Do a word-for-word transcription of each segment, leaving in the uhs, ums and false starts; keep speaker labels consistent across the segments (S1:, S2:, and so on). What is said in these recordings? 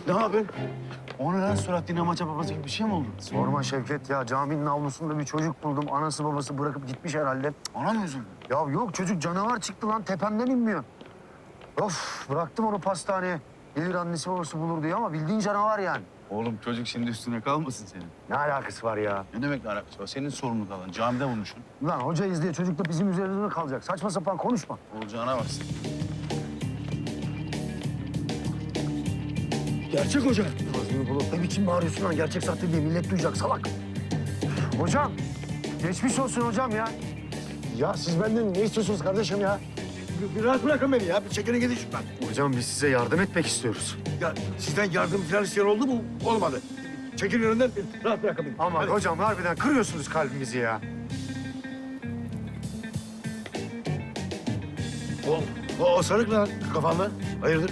S1: Ne haber? O ne lan surat dinamaça babası gibi bir şey mi oldu?
S2: Sorma Şevket ya. Caminin avlusunda bir çocuk buldum. Anası babası bırakıp gitmiş herhalde.
S1: Ona mı üzüldün?
S2: Ya yok çocuk canavar çıktı lan. Tepemden inmiyor. Of bıraktım onu pastaneye. Gelir annesi babası bulur diye ama bildiğin canavar yani.
S1: Oğlum çocuk şimdi üstüne kalmasın senin.
S2: Ne alakası var ya?
S1: Ne demek alakası var? Senin sorunun kalan. Camide bulmuşsun.
S2: Lan hocayız diye çocuk da bizim üzerimizde kalacak. Saçma sapan konuşma.
S1: Olacağına bak sen.
S2: Gerçek hoca. Ağzını bulup ne biçim bağırıyorsun lan? Gerçek sahte diye millet duyacak salak. Hocam, geçmiş olsun hocam ya.
S3: Ya siz benden ne istiyorsunuz kardeşim ya? Bir, bir rahat bırakın beni ya. Bir çekilin gidin şuradan.
S2: Hocam biz size yardım etmek istiyoruz.
S3: Ya sizden yardım falan isteyen oldu mu? Olmadı. Çekilin önünden bir rahat bırakın beni.
S2: Ama
S3: Hadi.
S2: hocam harbiden kırıyorsunuz kalbimizi ya.
S3: O, o, o sarık lan kafanda. Hayırdır?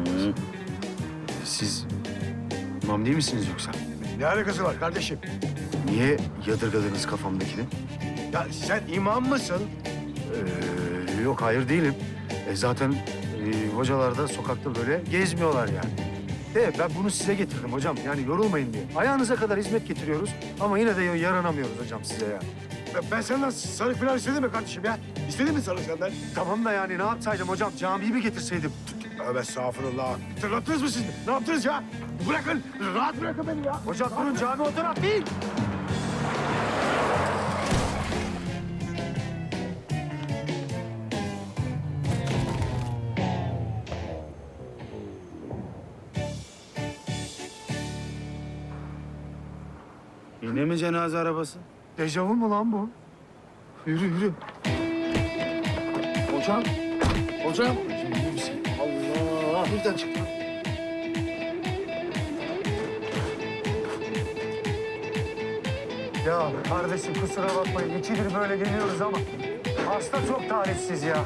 S2: Siz imam değil misiniz yoksa?
S3: Ne alakası var kardeşim?
S2: Niye yadırgadınız kafamdakini?
S3: Ya sen imam mısın?
S2: Ee, yok hayır değilim. E, zaten e, hocalar da sokakta böyle gezmiyorlar yani. De ben bunu size getirdim hocam. Yani yorulmayın diye. Ayağınıza kadar hizmet getiriyoruz ama yine de yaranamıyoruz hocam size ya.
S3: Ben, ben senden sarık falan istedim mi kardeşim ya? İstedin mi sarık senden?
S2: Tamam da yani ne yapsaydım hocam? Camiyi mi getirseydim?
S3: Tövbe estağfurullah. Tırlattınız mı siz? Ne yaptınız ya? Bırakın, rahat bırakın beni ya.
S2: Hocam durun cami o taraf değil.
S1: Yine mi cenaze arabası?
S2: Dejavu mu lan bu? Yürü yürü.
S3: Hocam, hocam. Allah, birden çıktı.
S2: Ya kardeşim kusura bakmayın. İkidir böyle geliyoruz ama hasta çok talihsiz ya.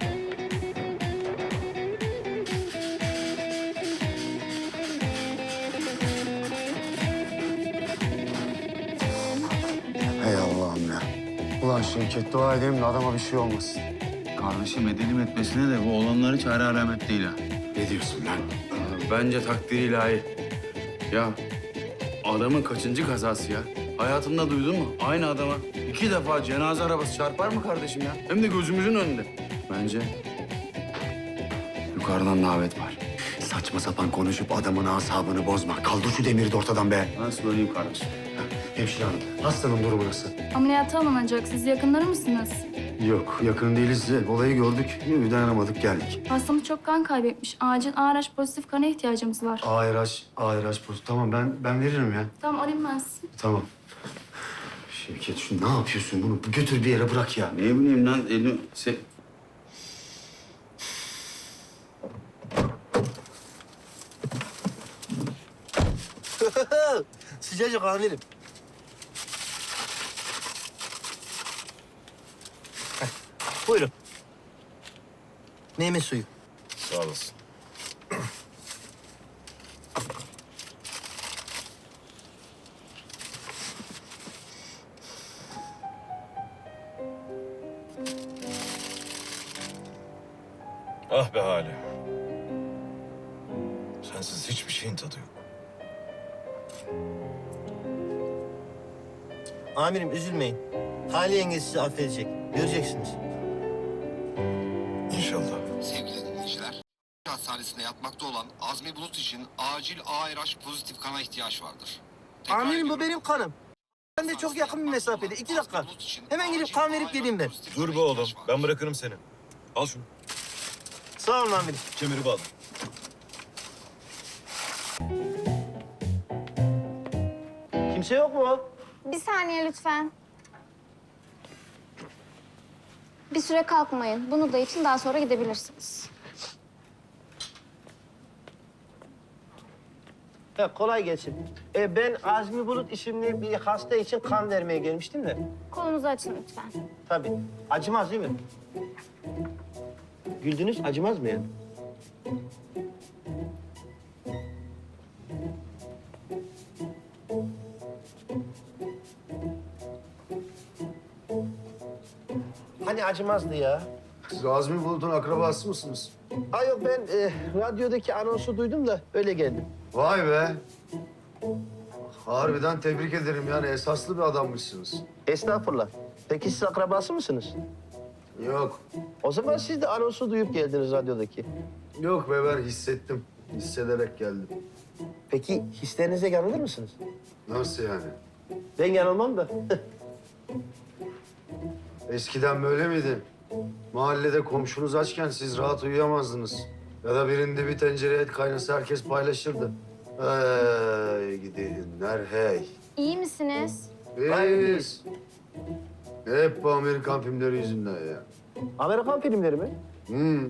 S2: Hey Allah'ım ya. Ulan Şevket dua edeyim de adama bir şey olmasın.
S1: Kardeşim edelim etmesine de bu olanları çare alamet değil ha.
S2: Ne diyorsun lan?
S4: Bence takdir ilahi. Ya adamın kaçıncı kazası ya? Hayatında duydun mu? Aynı adama iki defa cenaze arabası çarpar mı kardeşim ya? Hem de gözümüzün önünde. Bence yukarıdan davet var.
S2: Saçma sapan konuşup adamın asabını bozma. Kaldır şu demiri de ortadan be.
S4: Nasıl söyleyeyim kardeşim?
S2: Hemşire hanım, hastanın durumu nasıl?
S5: Ameliyata alınacak. Siz yakınları mısınız?
S2: Yok, yakın değiliz. Olayı gördük, dayanamadık, geldik.
S5: Hastamız çok kan kaybetmiş. Acil A R H pozitif kana ihtiyacımız var.
S2: Ayraç, ayraç poz. Tamam ben ben veririm ya.
S5: Tamam alayım ben sizi.
S2: Tamam. Şevket şu ne yapıyorsun bunu? Götür bir yere bırak ya.
S4: Ne bileyim lan elim... Se...
S6: Sıcacık amirim. Heh, buyurun. Meyve suyu.
S3: Sağ olasın. Ah be Hale. Sensiz hiçbir şeyin tadı yok.
S6: Amirim üzülmeyin. Hale yenge sizi affedecek. Göreceksiniz.
S3: İnşallah.
S7: Sevgili dinleyiciler, hastanesinde yatmakta olan Azmi Bulut için acil A R H pozitif kana ihtiyaç vardır. Tekrar
S6: Amirim bu
S7: ediyorum.
S6: benim kanım. Ben de çok yakın bir mesafede. İki dakika. Hemen gidip kan verip geleyim ben.
S3: Dur be oğlum. Ben bırakırım seni. Al şunu.
S6: Sağ olun amirim.
S3: Kemeri bağla.
S6: Kimse yok mu?
S8: Bir saniye lütfen. Bir süre kalkmayın. Bunu da için daha sonra gidebilirsiniz.
S6: Ha, kolay gelsin. Ee, ben Azmi Bulut isimli bir hasta için kan vermeye gelmiştim de.
S8: Kolunuzu açın lütfen.
S6: Tabii. Acımaz değil mi? Güldünüz, acımaz mı yani? Hani acımazdı ya?
S2: Siz Azmi Bulut'un akrabası mısınız?
S6: Ha yok ben e, radyodaki anonsu duydum da öyle geldim.
S2: Vay be. Harbiden tebrik ederim yani esaslı bir adammışsınız.
S6: Estağfurullah. Peki siz akrabası mısınız?
S2: Yok.
S6: O zaman siz de anonsu duyup geldiniz radyodaki.
S2: Yok be ben hissettim. Hissederek geldim.
S6: Peki hislerinize yanılır mısınız?
S2: Nasıl yani?
S6: Ben yanılmam da.
S2: Eskiden böyle miydi? Mahallede komşunuz açken siz rahat uyuyamazdınız. Ya da birinde bir tencere et kaynasa herkes paylaşırdı. Hey gidinler hey.
S8: İyi misiniz?
S2: Biz. Hep bu Amerikan filmleri yüzünden ya.
S6: Amerikan filmleri mi?
S2: Hmm.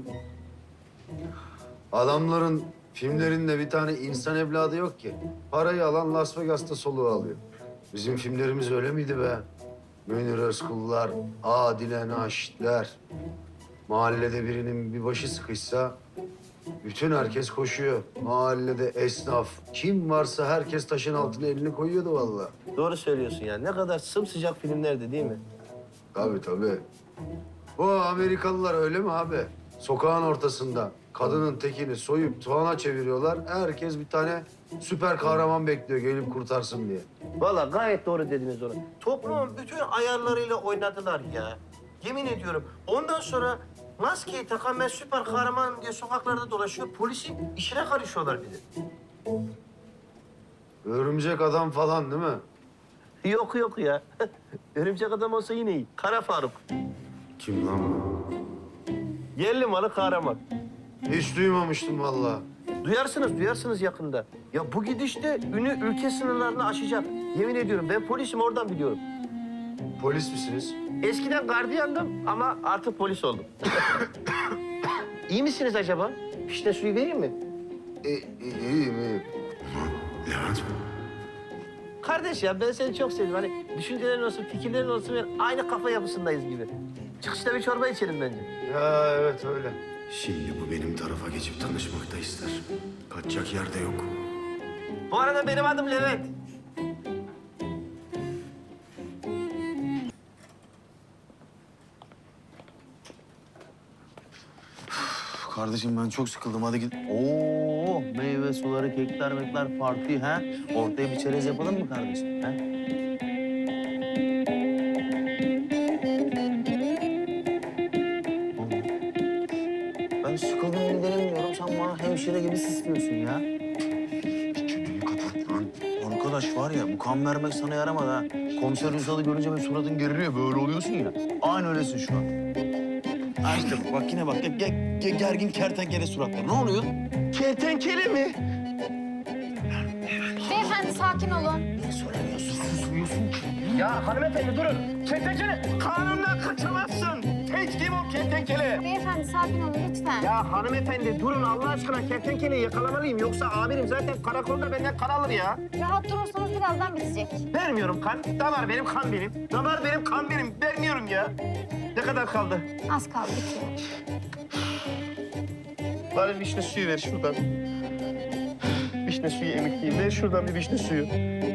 S2: Adamların filmlerinde bir tane insan evladı yok ki. Parayı alan Las Vegas'ta soluğu alıyor. Bizim filmlerimiz öyle miydi be? Münir Özkullar, Adile Naşitler. Mahallede birinin bir başı sıkışsa bütün herkes koşuyor. Mahallede esnaf, kim varsa herkes taşın altına elini koyuyordu vallahi.
S6: Doğru söylüyorsun ya. Ne kadar sımsıcak filmlerdi değil mi?
S2: Tabii tabii. Bu Amerikalılar öyle mi abi? Sokağın ortasında kadının tekini soyup tuğana çeviriyorlar. Herkes bir tane süper kahraman bekliyor gelip kurtarsın diye.
S6: Vallahi gayet doğru dediniz onu. Toplumun bütün ayarlarıyla oynadılar ya. Yemin ediyorum. Ondan sonra maskeyi takan ben süper kahraman diye sokaklarda dolaşıyor. Polisin işine karışıyorlar bir de.
S2: Örümcek adam falan değil mi?
S6: Yok yok ya. Örümcek adam olsa yine iyi. Kara Faruk.
S2: Kim lan bu?
S6: Yerli malı kahraman.
S2: Hiç duymamıştım vallahi.
S6: Duyarsınız, duyarsınız yakında. Ya bu gidişte ünü ülke sınırlarını aşacak. Yemin ediyorum ben polisim oradan biliyorum.
S2: Polis misiniz?
S6: Eskiden gardiyandım ama artık polis oldum. İyi misiniz acaba? Fişne suyu vereyim mi?
S2: E, e, iyiyim iyiyim.
S1: Levent.
S6: Kardeş ya ben seni çok sevdim. Hani düşüncelerin olsun, fikirlerin olsun. Yani aynı kafa yapısındayız gibi. Çıkışta bir çorba içelim bence.
S2: Ya evet öyle.
S1: Şimdi bu benim tarafa geçip tanışmak da ister. Kaçacak yer de yok.
S6: Bu arada benim adım Levent.
S1: Kardeşim ben çok sıkıldım. Hadi git.
S9: Oo, meyve suları, kekler, mekler, parti ha? Ortaya bir çerez yapalım mı kardeşim? Ha? Ben sıkıldım gidelim diyorum. Sen bana hemşire gibi sisliyorsun ya.
S1: Çeneni kapat lan.
S9: Arkadaş var ya, bu kan vermek sana yaramadı ha. Komiser Ünsal'ı görünce böyle suratın geriliyor, böyle oluyorsun ya. Aynı öylesin şu an. Ha işte bak, bak yine bak. Ge- ge- ge- gergin kertenkele suratlar. Ne oluyor?
S6: Kertenkele mi?
S8: Beyefendi sakin olun.
S9: Ne söylemiyorsun, susmuyorsun ki?
S6: Ya hanımefendi durun. Kertenkele kanundan kaçamazsın. Teçhim o kertenkele.
S8: Beyefendi sakin olun lütfen.
S6: Ya hanımefendi durun Allah aşkına kertenkeleyi yakalamalıyım. Yoksa amirim zaten karakolda benden kan alır ya.
S8: Rahat durursanız birazdan bitecek.
S6: Vermiyorum kan. Damar benim, kan benim. Damar benim, kan benim. Vermiyorum ya. Ne kadar kaldı?
S8: Az kaldı bitiyor.
S6: Bari vişne suyu ver şuradan. Vişne suyu emekliyim. Ver şuradan bir vişne suyu.